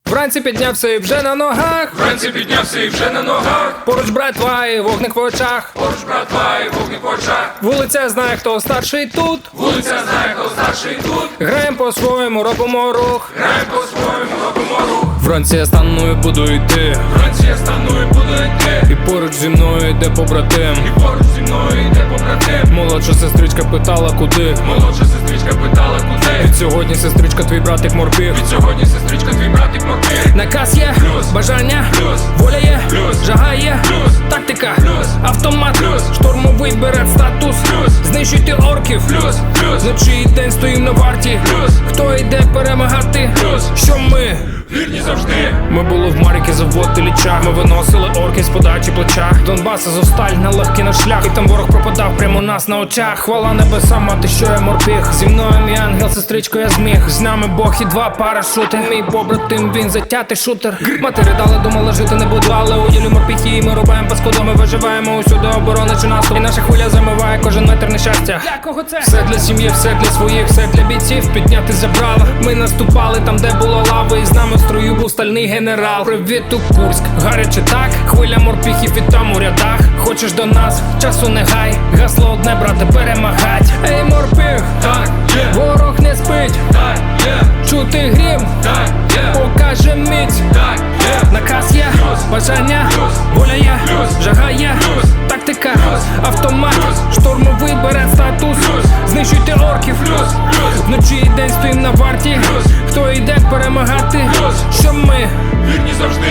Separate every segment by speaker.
Speaker 1: Вранці піднявся і вже на ногах.
Speaker 2: Вранці піднявся і вже на ногах.
Speaker 1: Поруч братва і вогник в очах.
Speaker 2: Поруч братва і вогник в очах.
Speaker 1: Вулиця знає, хто старший тут.
Speaker 2: Вулиця знає, хто старший тут.
Speaker 1: Граєм по-своєму, робимо рух.
Speaker 2: Граєм по-своєму, робимо рух.
Speaker 1: Вранці я стану і буду йти.
Speaker 2: Вранці я стану і буду йти.
Speaker 1: І поруч зі мною йде побратим.
Speaker 2: І поруч зі мною йде побратим.
Speaker 1: Молодша сестричка питала куди.
Speaker 2: Молодша сестричка питала куди.
Speaker 1: Від сьогодні сестричка твій братик морпіг.
Speaker 2: Від сьогодні сестричка твій братик морпіг.
Speaker 1: Наказ є,
Speaker 2: Плюс.
Speaker 1: бажання,
Speaker 2: Плюс.
Speaker 1: воля є,
Speaker 2: Плюс.
Speaker 1: жага є,
Speaker 2: Плюс.
Speaker 1: тактика,
Speaker 2: Плюс.
Speaker 1: автомат,
Speaker 2: Плюс.
Speaker 1: штурмовий берет статус,
Speaker 2: Плюс.
Speaker 1: знищуйте орків,
Speaker 2: Плюс. Плюс.
Speaker 1: вночі і день стоїм на варті,
Speaker 2: Плюс.
Speaker 1: хто йде перемагати,
Speaker 2: Плюс.
Speaker 1: що ми?
Speaker 2: Вірні завжди.
Speaker 1: Ми були в Маріки, завод Ілліча. Ми виносили орки з подачі плеча. Донбас, Азовсталь, на легкий наш шлях. І там ворог пропадав прямо у нас на очах. Хвала небесам, мати, що я морпіг. Зі мною мій ангел, сестричко, я зміг. З нами Бог і два парашути. Мій побратим, він затятий шутер. Мати ридала, думала, жити не буду, але у ділі морпіхи. І ми рубаємо паскуду, ми виживаємо усюди, оборони чи наступ. І наша хвиля замиває кожен метр нещастя. Для кого це? Все для сім'ї, все для своїх, все для бійців. Підняти забрала. Ми наступали там, де було лави. І з нами в строю був стальний генерал. Привіт у Курськ, гаряче так. Хвиля морпіхів і там у рядах. Хочеш до нас, часу не гай. Гасло одне, брате, перемагать. Ей, морпіх,
Speaker 2: Так, є.
Speaker 1: ворог не спить.
Speaker 2: Так, є.
Speaker 1: Чути грім,
Speaker 2: Так, є.
Speaker 1: покаже міць.
Speaker 2: Так, є.
Speaker 1: Наказ є,
Speaker 2: Плюс.
Speaker 1: бажання,
Speaker 2: Плюс.
Speaker 1: воля є,
Speaker 2: Плюс.
Speaker 1: жага є,
Speaker 2: Плюс.
Speaker 1: тактика,
Speaker 2: Плюс.
Speaker 1: автомат,
Speaker 2: Плюс.
Speaker 1: штурмовий берет статус,
Speaker 2: Плюс.
Speaker 1: знищуйте орків,
Speaker 2: Плюс. Плюс.
Speaker 1: вночі і день стоїм на варті,
Speaker 2: Плюс.
Speaker 1: хто йде перемагати,
Speaker 2: Плюс.
Speaker 1: що ми?
Speaker 2: Вірні завжди.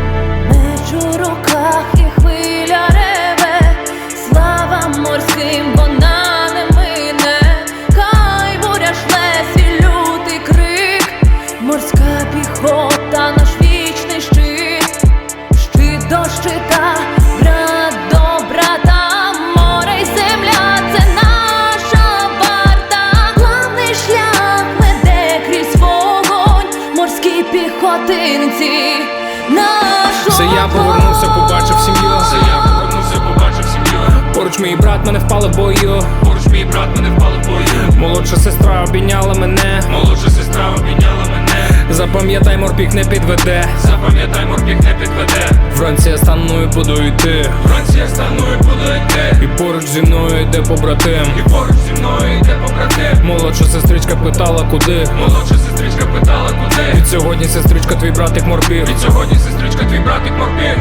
Speaker 3: Меч у руках і хвиля реве, слава морським, вона не мине. Хай буря шле свій лютий крик, морська піхота, наш вічний щит. Щит до щита, брат до брата, море й земля – це наша варта. Главний шлях веде крізь вогонь, морські піхотинці.
Speaker 1: Це я повернувся, побачив сім'ю.
Speaker 2: Це я повернувся, побачив сім'ю.
Speaker 1: Поруч мій брат мене впали в бою.
Speaker 2: Поруч мій брат мене впали в бою.
Speaker 1: Молодша сестра обійняла мене.
Speaker 2: Молодша сестра обійняла мене.
Speaker 1: Запам'ятай, морпік не підведе.
Speaker 2: Запам'ятай, морпік не підведе.
Speaker 1: Вранці я стану і буду йти.
Speaker 2: Вранці я стану і буду йти.
Speaker 1: І поруч зі мною йде побратим.
Speaker 2: І поруч зі мною йде побратим.
Speaker 1: Молодша сестричка питала куди.
Speaker 2: Молодша сестричка питала куди.
Speaker 1: Від сьогодні сестричка твій братик морпіг.
Speaker 2: Від сьогодні сестричка твій братик морпіг.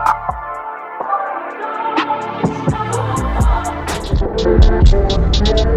Speaker 4: Yeah.